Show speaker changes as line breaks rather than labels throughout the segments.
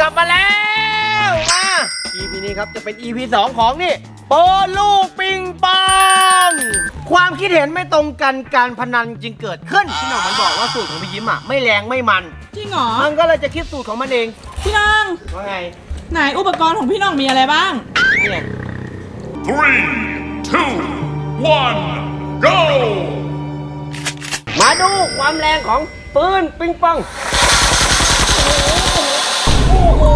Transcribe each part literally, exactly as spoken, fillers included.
ลับมาแล้วมา อี พี นี้ครับจะเป็น อี พี สองของนี่โปลูกปิงปองความคิดเห็นไม่ตรงกันการพนันจึงเกิดขึ้นพี่หน่องมันบอกว่าสูตรของพี่ยิ้มอ่ะไม่แรงไม่มัน
จริงเหรอ
มันก็เลยจะคิดสูตรของมันเอง
พี่น้อง
ว่าไง
ไหนอุปกรณ์ของพี่น้องมีอะไรบ้าง
นี่ไง
three two one go
มาดูความแรงของปืนปิงปอง
โอ้โห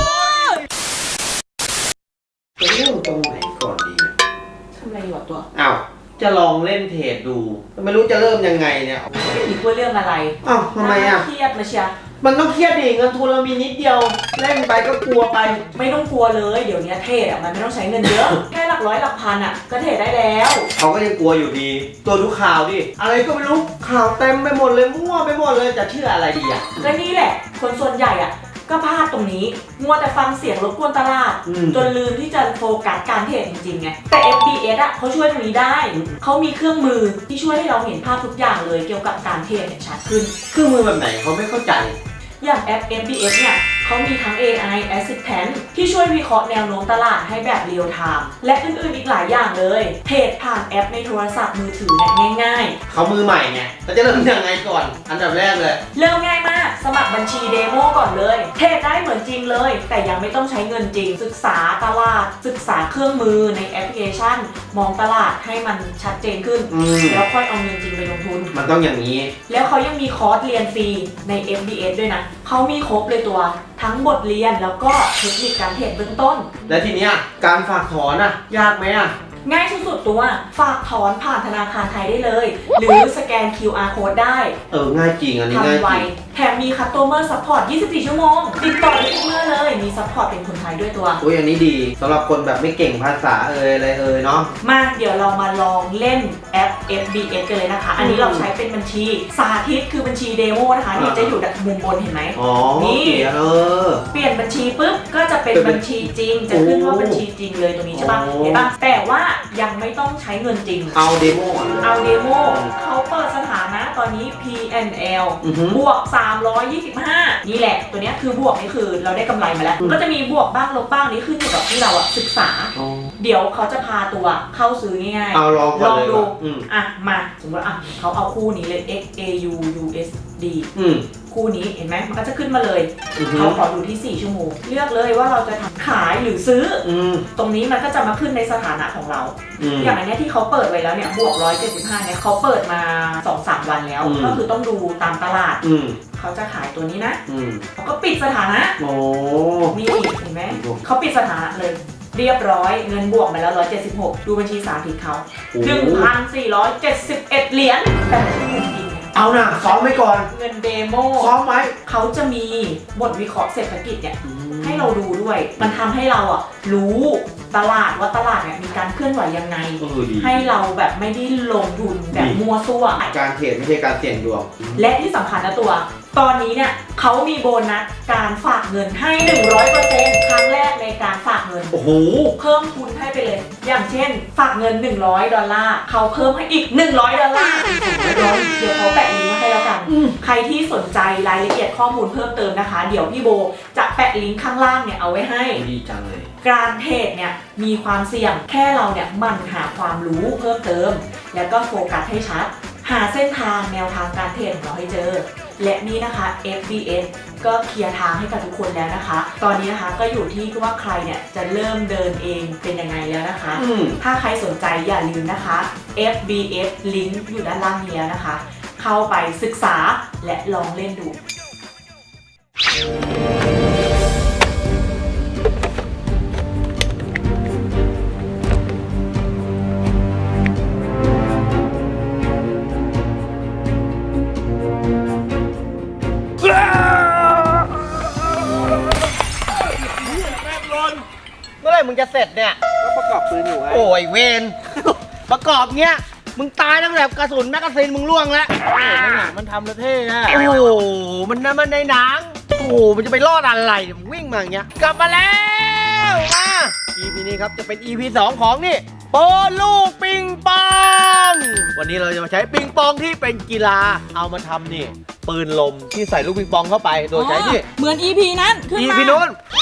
จะเริ่มตรงไหนก่อนดี
ทำอะไรอยู่ตัว
อ้าวจะลองเล่นเทรดดูไม่รู้จะเริ่มยังไงเนี่ย
ไม่คิดว่าเรื่องอะไร
อ้าวทำไมอ่ะ
เครียดมาเชีย
มันต้องเครียดดิเงินทุนเรามีนิดเดียวเล่นไปก็กลัวไป
ไม่ต้องกลัวเลยเดี๋ยวนี้เทรดอ่ะมันไม่ต้องใช้เงินเยอะแค่หลักร้อยหลักพันอ่ะก็เทรดได้แล้ว
เขาก็ยังกลัวอยู่ดีตัวดูข่าวดิอะไรก็ไม่รู้ข่าวเต็มไปหมดเลยมั่วไปหมดเลยจะเชื่ออะไรดีอ่ะ
ก็นี่แหละคนส่วนใหญ่อ่ะก็พลาดตรงนี้มัวแต่ฟังเสียงรบกวนตลาดจนลืมที่จะโฟกัสการเทรดจริงๆไงแต่ เอฟ บี เอส อ่ะเขาช่วยตรงนี้ได้เขามีเครื่องมือที่ช่วยให้เราเห็นภาพทุกอย่างเลยเกี่ยวกับการเทรดชัดขึ้น
เครื่องมือแบบไหนเขาไม่เข้าใจ
อย่างแอป เอฟ บี เอส เนี่ยเขามีทั้ง เอ ไอ Assistant ที่ช่วยวิเคราะห์แนวโน้มตลาดให้แบบเรียลไทม์และอื่นๆอีกหลายอย่างเลยเทรดผ่านแอปในโทรศัพท์มือถือเนี่ยง่าย
ๆเขามือใหม่ไงเราจะเริ่มยังไงก่อนอันดับแรกเลย
เริ่มง่ายมากสมัครบัญชีเดโมก่อนเลยเทรดได้เหมือนจริงเลยแต่ยังไม่ต้องใช้เงินจริงศึกษาตลาดศึกษาเครื่องมือในแอปพลิเคชันมองตลาดให้มันชัดเจนขึ้นแล้วค่อยเอาเงินจริงไปลงทุน
มันต้องอย่างนี้
แล้วเขายังมีคอร์สเรียนฟรีใน เอฟ บี เอส ด้วยนะเขามีครบเลยตัวทั้งบทเรียนแล้วก็เทคนิคการเทรดเบื้องต้น
และทีเนี้ยการฝากถอนอ่ะยากไหมอ่ะ
ง่ายสุดๆตัวฝากถอนผ่านธนาคารไทยได้เลยหรือสแกน คิว อาร์ Code ได้
เออง่ายจริงอันนี้ง่ายจริง
แถมมี Customer Support ยี่สิบสี่ ชั่วโมงติดต่อได้ทุกเมื่อเลยมี Support เป็นคนไทยด้วยตัว
โอ้ยอันนี้ดีสำหรับคนแบบไม่เก่งภาษาเอ่ยอะไรเอ่ยเนาะ
มาเดี๋ยวเรามาลองเล่นแอป เอฟ บี เอส กันเลยนะคะอันนี้เราใช้เป็นบัญชีสาธิตคือบัญชีเดโมนะคะนี่จะอยู่ด้านมุมบนเห็นไหม
อ๋อนี่เออ
เปลี่ยนบัญชีปุ๊บก็จะเป็นบัญชีจริงจะขึ้นว่าบัญชีจริงเลยตรงนี้ใช่ป่ะเห็นป่ะแต่ว่ายังไม่ต้องใช้เงินจริง
เอาเดโม
เอาเดโมเขาเปิดสถานะตอนนี้ พี เอ็น แอล บวกสามร้อยยี่สิบห้านี่แหละตัวนี้คือบวกนี่คือเราได้กำไรมาแล้วก็จะมีบวกบ้างลบบ้างนี่ขึ้นอยู่กับที่เราอะศึกษาเดี๋ยวเขาจะพาตัวเข้าซื้อง่าย
ๆเอาลอง
ลองดู
อ่ะ
มาสมมติอ่ะเขาเอาคู่นี้เลย เอ็กซ์ เอ ยู ยู เอส ดี คู่นี้เห็นไหมมันก็จะขึ้นมาเลยเขาขอดูที่สี่ชั่วโมงเลือกเลยว่าเราจะทำขายหรือซื้อตรงนี้มันก็จะมาขึ้นในสถานะของเราอย่างอันนี้ที่เขาเปิดไว้แล้วเนี่ยบวกหนึ่งร้อยเจ็ดสิบห้าเนี่ยเขาเปิดมา สองถึงสาม วันแล้วก็คือต้องดูตามตลาดเขาจะขายตัวนี้นะเขาก็ปิดสถานะนี่เห็นไหมเขาปิดสถานะเลยเรียบร้อยเงินบวกมาแล้วหนึ่งร้อยเจ็ดสิบหกดูบัญชีสาธิตเขา หนึ่งพันสี่ร้อยเจ็ดสิบเอ็ด เหรียญแต่ไม่ใช่เงินจริง
เอาหน่ะซ้อมไว้ก่อน
เงินเดโม
ซ้อมไว้
เขาจะมีบทวิเคราะห์เศรษฐกิจเนี่ยให้เราดูด้วยมันทำให้เราอ่ะรู้ตลาดว่าตลาดเนี่ยมีการเคลื่อนไหวยังไงให้เราแบบไม่ได้ลงทุนแบบมัวซั่ว
การเทรดไม่ใช่การเสี่ยงดวง
และที่สำคัญนะตัวตอนนี้เนี่ยเขามีโบนัสการฝากเงินให้ หนึ่งร้อยเปอร์เซ็นต์ ครั้งแรกในการฝากเงิน
โอ้โห
เพิ่มทุนให้ไปเลยอย่างเช่นฝากเงินหนึ่งร้อยดอลลาร์เขาเพิ่มให้อีกหนึ่งร้อยดอลลาร์เดี๋ยวเขาแปะลิงก์มาให้แล้วกันใครที่สนใจรายละเอียดข้อมูลเพิ่มเติมนะคะเดี๋ยวพี่โบจะแปะลิงก์ข้างล่างเนี่ยเอาไว้ให้
ดีจังเลย
การเทรดเนี่ยมีความเสี่ยงแค่เราเนี่ยหมั่นหาความรู้เพิ่มเติมแล้วก็โฟกัสให้ชัดหาเส้นทางแนวทางการเทรดของเราให้เจอและนี่นะคะ เอฟ บี เอส ก็เคลียร์ทางให้กับทุกคนแล้วนะคะตอนนี้นะคะก็อยู่ที่ว่าใครเนี่ยจะเริ่มเดินเองเป็นยังไงแล้วนะคะถ้าใครสนใจอย่าลืมนะคะ เอฟ บี เอส ลิงก์อยู่ด้านล่างนี้แล้วนะคะเข้าไปศึกษาและลองเล่นดู
เมื่อไหร่มึงจะเสร็จเนี่ยก็ประกอบปืนอยู่ไงโอ้ยเวนประกอบเนี้ยมึงตายตั้งแต่กระสุนแมกกาซีนมึงล่วงแล้วเออมันหนังมันทำแล้วเท่อะโอ้โหมันนั่นมันในหนังโอ้โหมันจะไปรอดอะไรมึงวิ่งมาอย่างเงี้ยกลับมาแล้วมา อี พี นี้ครับจะเป็น อี พี สองของนี่โปลูกปิงปองวันนี้เราจะมาใช้ปิงปองที่เป็นกีฬาเอามาทำนี่ปืนลมที่ใส่ลูกปิงปองเข้าไปโดยใช้นี่
เหมือน อี พี นั้นขึ้นมา
อี พี นู้น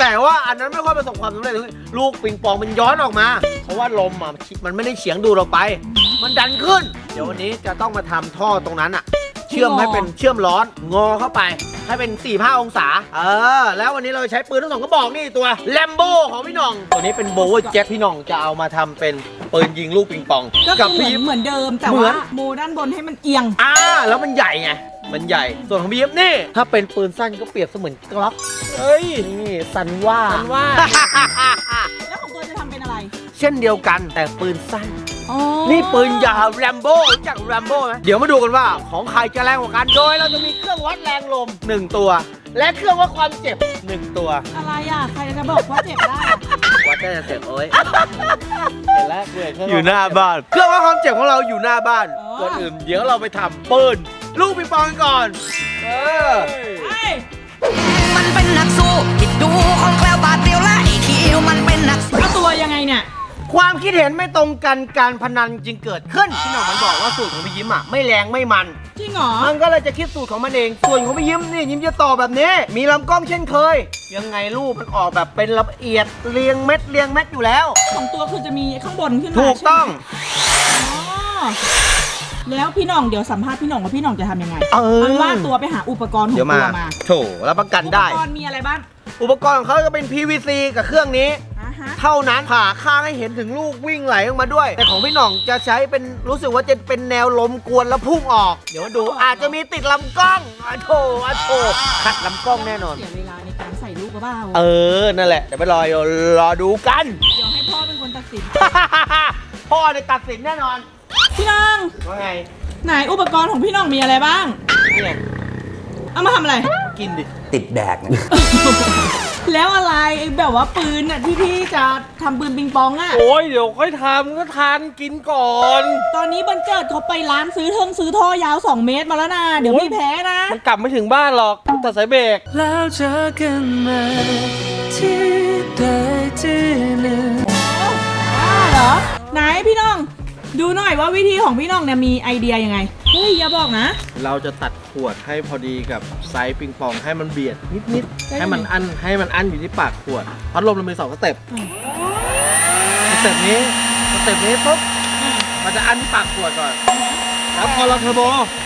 แต่ว่าอันนั้นไม่ค่อยประสบความสำเร็จลูกปิงปองมันย้อนออกมาเพราะว่าลมอ่ะมันไม่ได้เฉียงดูดออกไปมันดันขึ้นเดี๋ยววันนี้จะต้องมาทำท่อตรงนั้นอ่ะเชื่อมให้เป็นเชื่อมร้อนงอเข้าไปให้เป็น สี่ห้า องศาเออแล้ววันนี้เราใช้ปืนทั้งสองกระบอกนี่ตัวแลมโบ้ของพี่หน่องตัวนี้เป็นโบว์เจ็ตพี่หน่องจะเอามาทำเป็นปืนยิงลูกปิงปอง
ก็
กั
คือเหมื
พี่
อนเหมือนเดิมแต่
เหมือ
ว่าน โมด้านบนให้มันเอียง
อ่าแล้วมันใหญ่ไงมันใหญ่ส่วนของพี่ยิปนี่ถ้าเป็นปืนสั้นก็เปรียบเสมือนกล็อกเอ้ยนี่สันว่า
สันว่า
แล้วของตัวจะทำเป็นอะไร
เช่นเดียวกันแต่ปืนสั้น
อ๋อ
นี่ปืนยาวแรมโบ้รู้จักแรมโบ้ไหมเดี๋ยวมาดูกันว่าของใครจะแรงกว่ากันโดยเราจะมีเครื่องวัดแรงลมหนึ่งตัว และเครื่องวัดความเจ็บหนึ่งตัว
อะไรอ่ะใครจะบอกว่าเจ็บได้อะ
วัดได้แต่เจ็บโอ้ยเห็นแล้วอยู่หน้าบ้านเครื่องวัดความเจ็บของเราอยู่หน้าบ้านก่อนอื่นเดี๋ยวเราไปทำปืนลูกปิงปองกันก่อนเออ
เอ้ย
มันเป็นนักสู้คิดดูของแคล้วบาดเดียวและไอ้คิวมันเป็นนักสู้
แล้วตัวยังไงเนี่ย
ความคิดเห็นไม่ตรงกันการพนันจึงเกิดขึ้นพี่หน่องมันบอกว่าสูตรของพี่ยิ้มอ่ะไม่แรงไม่มัน
จริงเหรอ
มันก็เลยจะคิดสูตรของมันเอง ส่วนของพี่ยิ้มนี่ยิ้มจะต่อแบบนี้ มีลำกล้องเช่นเคย ยังไงรูปมันออกแบบเป็นละเอียดเรียงเม็ดเรียงเม็ดอยู่แล้ว
ของตัวคือจะมีข้างบนขึ้นมา
ถูกต้อง
ใช่ไหมอ๋อแล้วพี่หน่องเดี๋ยวสัมภาษณ์พี่หน่องว่าพี่หน่องจะทำยังไง
เออ
มันว่าตัวไปหาอุปกรณ์ของ
เดี๋ยว
ตั
มาว
มา
โถรับประกัน
อุป
ได้
กรณ์มีอะไรบ้าง
อุปกรณ์ของเขาจะเป็น พี วี ซี กับเครื่องนี้
อ่าฮะ
เท่านั้นผ่าข้างให้เห็นถึงลูกวิ่งไหลออกมาด้วย แต่ของพี่หน่องจะใช้เป็นรู้สึกว่าจะเป็นแนวลมกวนแล้วพุ่งออก เดี๋ยวมาดูอาจจะมีติดลำกล้องอะโถอะโถขัดลำกล้องแน่นอน
เสียเวลาในการใส่ลูกกระเบ้า
เออ นั่นแหละ เดี๋ยวไปรอรอดูกัน
เดี๋ยวให้พ่อเป็นคนตัดสิน
พ่อเนี่ยตัดสินแน่นอน
พี่น้อง
ว่าไง
ไหนอุปกรณ์ของพี่น้องมีอะไรบ้าง
เนี่ย
เอามาทำอะไร
กินดิ
ติดแดกนะ
แล้วอะไรแบบว่าปืนน่ะที่พี่จะทำปืนปิงปองอ่ะ
โอ้ยเดี๋ยวค่อยทำก็ทานกินก่อน
ตอนนี้บันเจิดเขาไปร้านซื้อเทิงซื้อท่อยาวสองเมตรมาแล้วนะเดี๋ยวพี่แพ้นะ
มันกลับไม่ถึงบ้านหรอกแต่สายเบรก
แล้วเจอกันใหม่ที่ใดที่หนึ่ง
อ้าเหรอ ไหนพี่น้อง ดูหน่อยว่าวิธีของพี่น้องเนี่ยมีไอเดียยังไง เฮ้ยอย่าบอกนะ
เราจะตัดขวดให้พอดีกับไซส์ปิงปองให้มันเบียดนิด
ได้
ๆ ให้มันอั้นให้มันอั้นอยู่ที่ปากขวด พัดลมเรามีสองสเต็ป
อืม
สเต็ปนี้สเต็ปนี้ปุ๊บมันจะอั้นที่ปากขวดก่อน แล้วพอเราเทอร์โบ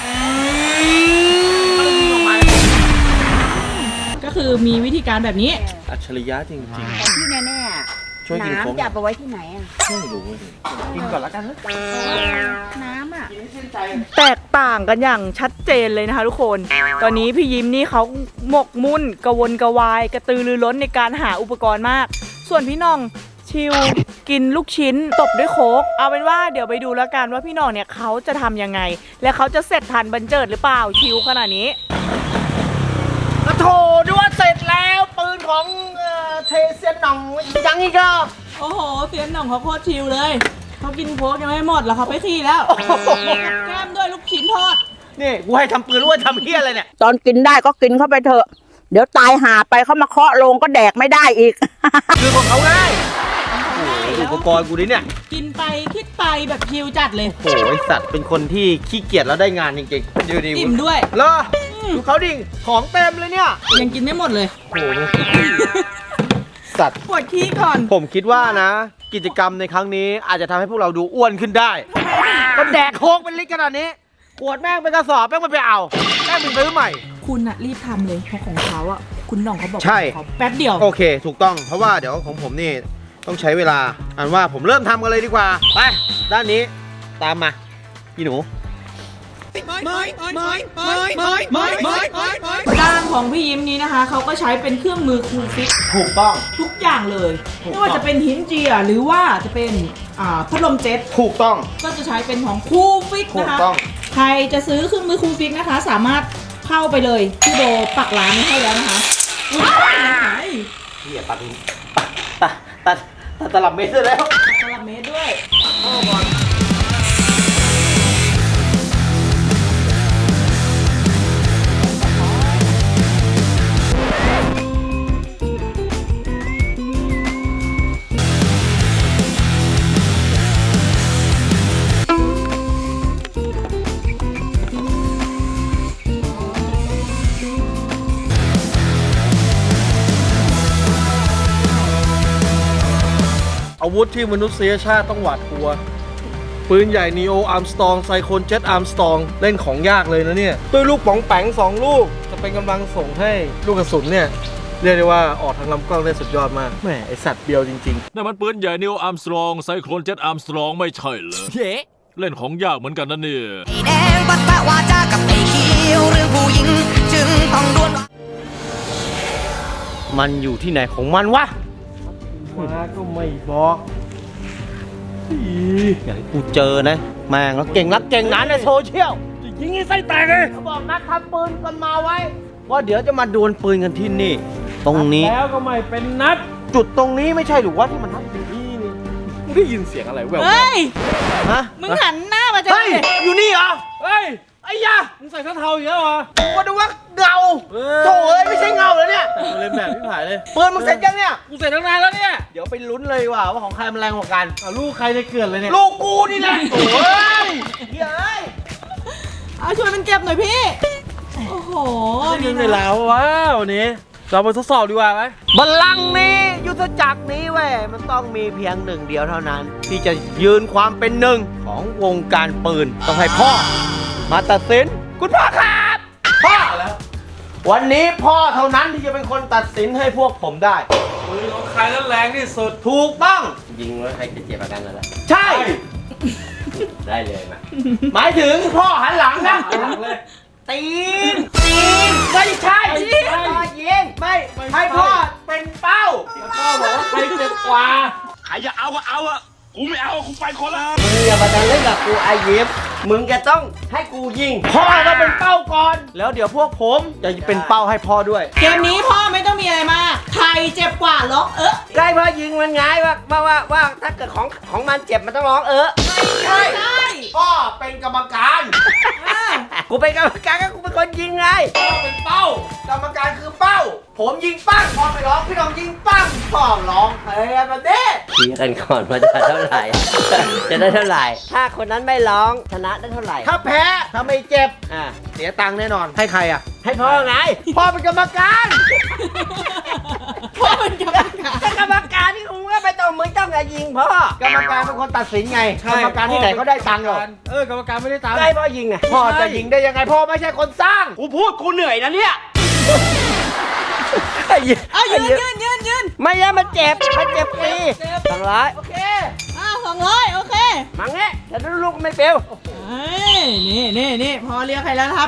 มันจะยิงออกมา
ก็คือมีวิธีการแบบนี้
อัจฉริยะจริง
ที่แน่
ๆ ช่วย
ๆ
กินโค้ง
น้ำจะเอาไปไว้ที่ไหนอ่ะ
ไม่รู้เลยกินก่อนแล้วกันนะ
น้ำอ่ะ
กินให้ชื่นใจ
แตกต่างกันอย่างชัดเจนเลยนะคะทุกคน ตอนนี้พี่ยิ้มนี่เขาหมกมุ่นกระวนกระวายกระตือรือร้นในการหาอุปกรณ์มาก ส่วนพี่น้องชิลกินลูกชิ้นตบด้วยโค้กเอาเป็นว่าเดี๋ยวไปดูแล้วกันว่าพี่น้องเนี่ยเขาจะทำยังไง และเขาจะเสร็จทันบันเจิดหรือเปล่าชิลขนาดนี้
กระโถด้วยเสร็จแล้วปืนของเอ่อเทเซียนหน่องยังอีกอ่ะ
โอ้โหเสียนหน่องเขาโคตรชิลเลยเขากินโค้กยังไม่หมดแล้วเขาไปขี่แล้วแก้มด้วยลูกชิ้นทอด
นี่กูให้ทำปืนรู้ว่าทำเฮี้ยอะไรเนี่ย
ตอนกินได้ก็กินเข้าไปเถอะ เดี๋ยวตายหาไปเขามาเคาะโลงก็แดกไม่ได้อีก
คือของเขาง่ายโอ้โหอุปกรณ์กูนี่เนี่ย
กินไปคิดไปแบบชิลจัดเลย
โอ้โหไอสัตว์เป็นคนที่ขี้เกียจแล้วได้งานจริงๆดูดิ
อิ่มด้วย
เหรอดูเขาดิของเต็มเลยเนี่ย
ยังกินไม่หมดเลย
โอ้โหสัตว์
ปวดขี้ก่อน
ผมคิดว่านะ กิจกรรมในครั้งนี้อาจจะทำให้พวกเราดูอ้วนขึ้นได้ก็แดกโค้กเป็นลิตรขนาดนี้ขวดแม่งเป็นกระสอบแม่งมันไปเอาแม่งไปซื้อใหม่
คุณอะรีบทำเลยเพราะของเขาอะคุณหน่องเขาบอก
ใช่
ของเขาแป๊บเดียว
โอเค ถูกต้องเพราะว่าเดี๋ยวของผมนี่ต้องใช้เวลาอันว่าผมเริ่มทำกันเลยดีกว่าไปด้านนี้ตามมาพี่หนู
ด้านของพี่ยิ้มนี้นะคะเขาก็ใช้เป็นเครื่องมือคูลฟิก
ถูกต้อง
ทุกอย่างเลย
ถูกต้อง
ไม่ว่าจะเป็นหินเจียหรือว่าจะเป็นอ่าพัดลมเจ็ต
ถูกต้อง
ก็จะใช้เป็นของคูลฟิก
ถู
นะ
ก
คะ
ต้อง
ใครจะซื้อเครื่องมือคูลฟิกนะคะ สามารถเข้าไปเลยที่โดปักร้านไว้ให้แล้วนะคะอุ๊ย
เหี้ยตัดตัดตัดตัดตลับเมตรได้แล้ว
ตลับเมตรด้วย
โอ้บอล
วุธที่มนุษยชาติต้องหวาดกลัว ปืนใหญ่นีโออาร์มสตองไซโคนเจ็ตอาร์มสตองเล่นของยากเลยนะเนี่ยด้วยลูกป๋องแปงสองลูก จะเป็นกำลังส่งให้ลูกกระสุนเนี่ย เรียกได้ว่าออกทางลำกล้องได้สุดยอดมากแหมไอสัตว์เบียวจริง
นั่นมันปืนใหญ่นิวอาร์มสตรองไซโคลนเจ็ตอาร์มสตรองไม่ใช่เหรอเย้เล่นของยากเหมือนกันนะเนี่ย
ไอ้แดงปัสสาวาจากับไอ้เขียวเรื่องผู้หญิง จึงต้องดวล
ๆ มันอยู่ที่ไหนของมันวะ
ๆ มาก็ไม่บอกอี
อย่างกูเจอนะแม่งแล้วเก่งนักเก่งหนาในโซเชียล
จะยิงให้ไส้แตกเลย
เขาบอกนัดทำปืนกันมาไว้ว่าเดี๋ยวจะมาดวลปืนกันที่นี่ ตรงนี้
แล้วก็ไม่เป็นนัด
จุดตรงนี้ไม่ใช่หรือว่าที่มันนัด
นี่นี่มึงได้ยินเสียงอะไรแววๆ
เฮ้ย
ฮะ
มึงหันหน้ามาจะ
เฮ้ยอยู่นี่เหรอ
เฮ้ย
ไอ้ยา
มึงใส่เสื้อเทาอย่างเงี้ยเหรอ
กูก็ดูว่าเงา
เออ
โถ่เอ้ยไม่ใช่เงาแล้วเนี่ย
แต่งเล่นแบบพี่ผายเลย
ปืนมึงเสร็จยังเนี่ย
กูเสร็จตั้งนานแล้วเนี่ย
เดี๋ยวไปลุ้นเลยว่ะว่าของใครมันแรงกว่ากัน
เอาลูกใครในเกลื่อนเลยเนี่ย
ลูกกูนี่แหละโอ้ยเฮ้ย
เอาช่วยมันเก็บหน่อยพี่ โอ้โห
นี่ในแล้วว้าววันนี้เราไปทดสอบดีกว่าไหม
บัลลังก์นี้ยุทธจักรนี้เว้ยมันต้องมีเพียงหนึ่งเดียวเท่านั้น ที่จะยืนความเป็นหนึ่งของวงการปืนต้องให้พ่อ มาตัดสินคุณพ่อครับพ่อแล้ว วันนี้พ่อเท่านั้นที่จะเป็นคนตัดสินให้พวกผมได้
ปืนของใครนั้นแรงที่สุด
ถูกต้องยิงแล้วใครจะเจ็บอาการอะไรใช่ ได้เลยมาหมายถึงพ่อหันหลังนะ
หันหลังเลย
ตีนตีนไม่ใช่พ่อยิงไม่ให้พ่อเป็นเป้า
แล้วก็บอกว่าใครเจ็บกว่า
ใครจะเอาก็เอาอะกูไม่เอากูไปคนละ
มึงอย่ามาดันเล่นกับกูไอยิปมึงจะต้องให้กูยิงพ่อต้องเป็นเป้าก่อน แล้วเดี๋ยวพวกผมจะเป็นเป้าให้พ่อด้วย
เกมนี้พ่อไม่ต้องมีอะไรมากใครเจ็บกว่าล็อกเออ
ใกล้พ่อยิงมันไงว่าว่าว่าว่าถ้าเกิดของของมันเจ็บมันต้องร้องเออ
ใช่ใช่
พ่อเป็นกรรมการ
อ่า
กูเป็นกรรมการก็กูเป็นคนยิงไงพ่อเป็นเป้ากรรมการคือเป้า ผมยิงปั้งพ่อไปร้องพี่น้องยิงปั้งพ่อร้องเฮ้ยแบบนี้
ชี้กันก่อนว่าจะเท่าไหร่ จะได้เท่าไหร่ ถ้าคนนั้นไม่ร้องชนะได้เท่าไหร่
ถ้าแพ้ถ้าไม่เจ็บ
อ่า
เสียตังค์แน่นอนให้ใครอ่ะ
ให้พ่อไง
พ่อเป็นกรรมการ
พ่อเป็นกรรมการ
ถ้ากรรมการที่คุณก็ไปต้องมึงต้องอย่ายิงพ่อก
รรมการเป็นคนตัดสินไง
ใช่
กรรมการที่ไหนเขาได้ตังค์หรอก
เออกรรมการไม่ได้ตังค์
ก็ให้พ่อยิงไง
พ่อจะยิงได้ยังไงพ่อไม่ใช่คนสร้าง
กูพูดกูเหนื่อยนะเนี่ย
เอายืนยืนยืนยืน
ไม่ใช่มันเจ็บ มันเจ็บฟรีสองร้อย
โอเค
อ่าสองร้อยโอเค
มังเงี้ยแต่ลูกไม่เปลว
เฮ้ยนี่นี่นี่พอเรียกใครแล้วนะครับ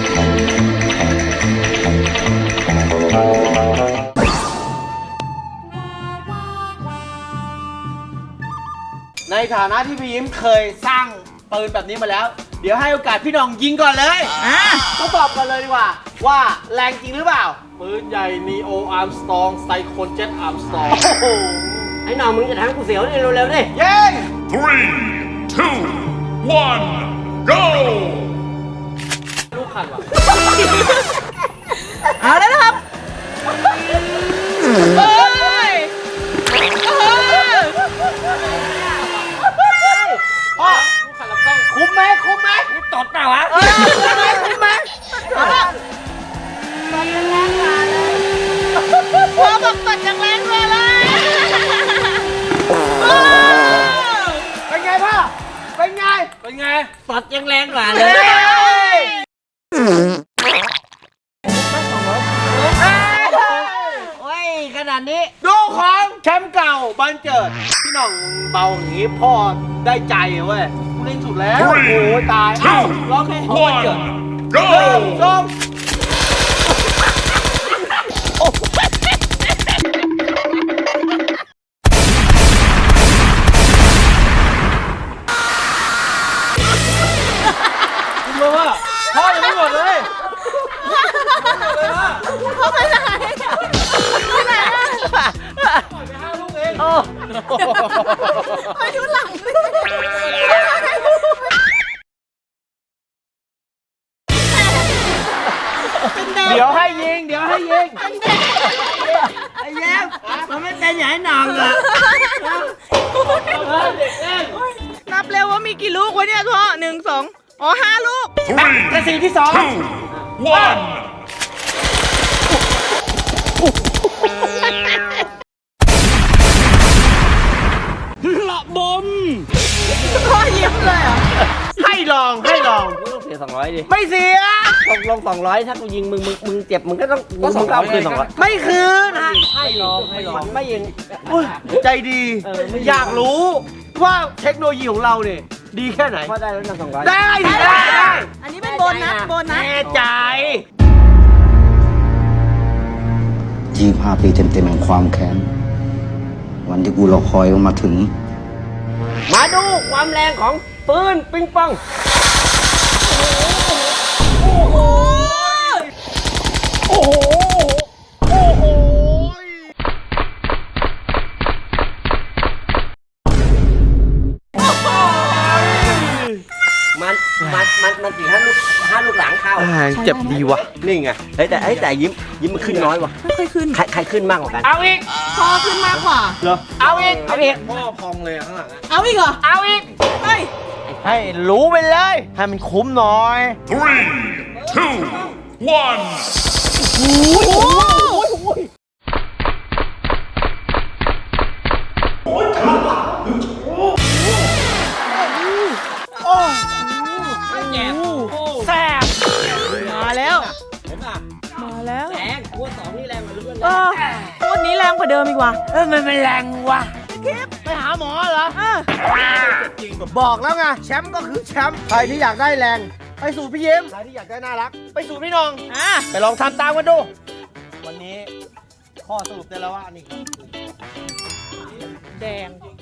ในฐานะที่พี่ยิ้มเคยสร้างปืนแบบนี้มาแล้ว เดี๋ยวให้โอกาสพี่หน้องยิงก่อนเลย
อ่า
ทดสอบกันเลยดีกว่า ว่าแรงจริงหรือเปล่า
ปืนใหญ่นีโออาร์มสตองไซโคนเจ็ตอาร์มสตอง
โอ้โห
ไอ้น้องมึงจะทำกูเสียวนี่เร็วๆดิ
เย้ง
three two one go
ลูกขัดว่ะ
เอาแล้วนะครับเฮ้ยเออ
พ่อ
ลูกขัดลำกล้อง
คุ้มไหมคุ้มไหม
นี่ตดเปล่าวะ
เออคุ้มไหมคุ้มไหม
เอาละพ่อบอกตัดจากแรงเลยเลยเออ
เป็นไงพ่อ เป็นไง
เป็นไง
ตดยังแรงกว่าเล
เฮ้
ย
ย
โอ้ยขนาดนี้
ดูของแชมป์เก่าบันเจิด พี่หน้องเบาอย่างนี้พ่อได้ใจเว้ยกูเล่นสุดแล้ว โอ้โหตายเอ้าร้องเพลงของบันเจิด
one
หนึ่ง
go
สอง
คุณรู้ว่าพ่อยังไม่หมดเลย
พ่อไปไหนไปไหนอะ
ปล่อยไปห้าลูกเอง
โอ้
ไปดูหลังสิเป็นแดง
เดี๋ยวให้ยิง เดี๋ยวให้ยิง
ไอ้แย้มมันไม่เป็นอย่างไอ้น้องอะ
นับเร็วว่ามีกี่ลูกวะเนี่ยพ่อหนึ่งสองอ๋อห้าลูก
three
กระสีที่สอง
two one
พ
ยิ้มเลยเหรอ
ให้ลองให้ลอง
มึงต้องเสียสองร้อยดิ
ไม่เสีย
ตกลงสองร้อยถ้ากูยิงมึงมึงมึงเจ็บมึงก็ต้องมึงก็เอาคืนสองร้อย
ไม่คืนฮะ
ให้ลองให้ลองไม่ยิง
อุ๊ยใจดี
เออไม่
อยากรู้ว่าเทคโนโลยีของเราเนี่ยดีแค่ไหน
พอได้แล้วนะสองร้อย
ได้ดิได้ได้
อันนี้เป็นโบนัสโบนัส
แน่ใจ
ยี่สิบห้าปีเต็มๆแห่งความแค้น วันที่กูรอคอยมันมาถึง
มาดูความแรงของปืนปิงปอง
โอ้โห โอ้โห
มันมันมันมันสี่ห้าลูกห้าลูกหลังเข้า
เจ็บดีว่ะ
นี่ไงเฮ้ยแต่เฮ้ยแต่ยิ้มยิ้มมันขึ้นน้อยว่ะ
ไม่ค่อยขึ้น
ใครใครขึ้นมากกว่ากัน
เอาอีก
พอขึ้นมากกว่า
เหรอ เอาอีก เอาอีก
พ่อพองเลยอะข้างหลังอะ
เอาอีกเหรอ
เอาอีก
เฮ้ย
ให้รู้ไปเลย ให้มันคุ้มหน่อย
แซ่บมาแล้ว มาแล้ว
แรงกูว่าสองนี่แรงกว่าเพื่อน
เออวันนี้แรงกว่าเดิมอีกว่ะ
เออมันเป็นแรงว่ะไปหาหมอเหรอ
เออ
บอกแล้วไงแชมป์ก็คือแชมป์ใครที่อยากได้แรง ไปสู่พี่ยิ้มใครที่อยากได้น่ารัก ไปสู่พี่น้อง
อ่ะ
ไปลองทำตามกันดู วันนี้ข้อสรุปได้แล้วว่านี่
แดง